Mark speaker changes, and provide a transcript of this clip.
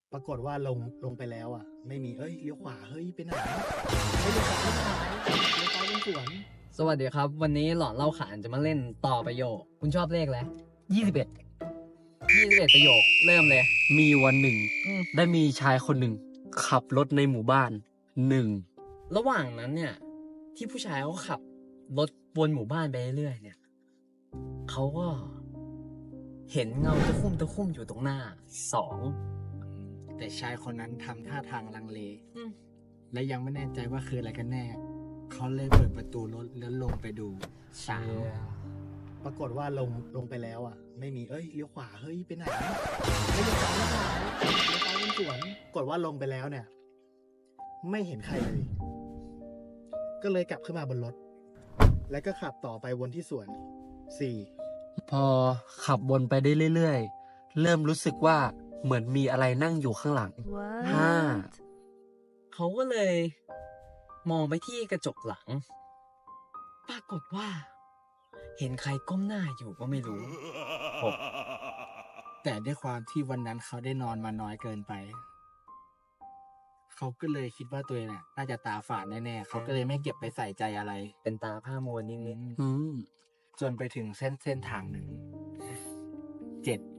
Speaker 1: ปรากฏว่าลงไปแล้วอ่ะ ไม่มีเลี้ยวขวาเฮ้ยไปไหนเลี้ยวขวาเลี้ยวซ้ายเป็นสวน
Speaker 2: สวัสดีครับ วันนี้หลอนเล่าขานจะมาเล่นต่อประโยค คุณชอบเลขอะไร
Speaker 3: 21
Speaker 2: 21ประโยค เริ่มเลย
Speaker 3: มีวันหนึ่ง
Speaker 2: อืม
Speaker 3: ได้มีชายคนหนึ่ง ขับรถในหมู่บ้านหนึ่ง
Speaker 2: ระหว่างนั้นเนี่ย ที่ผู้ชายเขาขับรถวนหมู่บ้านไปเรื่อยๆเนี่ยเขาก็ เห็นเงาตะคุ่มอยู่ตรงหน้า2
Speaker 1: แต่ชายคนนั้นทำท่าทางลังเล
Speaker 2: อืม
Speaker 1: และยังไม่แน่ใจว่าคืออะไรกันแน่ เขาเลยเปิดประตูรถแล้วลงไปดูปรากฏว่าลงไปแล้วอ่ะ ไม่มีเลี้ยวขวาเฮ้ยไปไหนเลี้ยวซ้ายเลี้ยวซ้ายเป็นสวนปรากฏว่าลงไปแล้วเนี่ย ไม่เห็นใครเลย ก็เลยกลับขึ้นมาบนรถ แล้วก็ขับต่อไปวนที่สวน 4
Speaker 3: พอขับวนไปได้เรื่อยๆ เริ่มรู้สึกว่าเหมือนมีอะไรนั่งอยู่ข้างหลัง 5
Speaker 2: เขาก็เลยมองไปที่กระจกหลัง ปรากฏว่า เห็นใครก้มหน้าอยู่ก็ไม่รู้
Speaker 1: แต่ด้วยความที่วันนั้นเขาได้นอนมาน้อยเกินไป เขาก็เลยคิดว่าตัวเองน่าจะตาฝาดแน่ๆ เขาก็เลยไม่เก็บไปใส่ใจอะไร
Speaker 2: เป็นตาผ้ามัวนิด
Speaker 3: อืม
Speaker 1: จนไปถึงเส้นทางหนึ่ง 7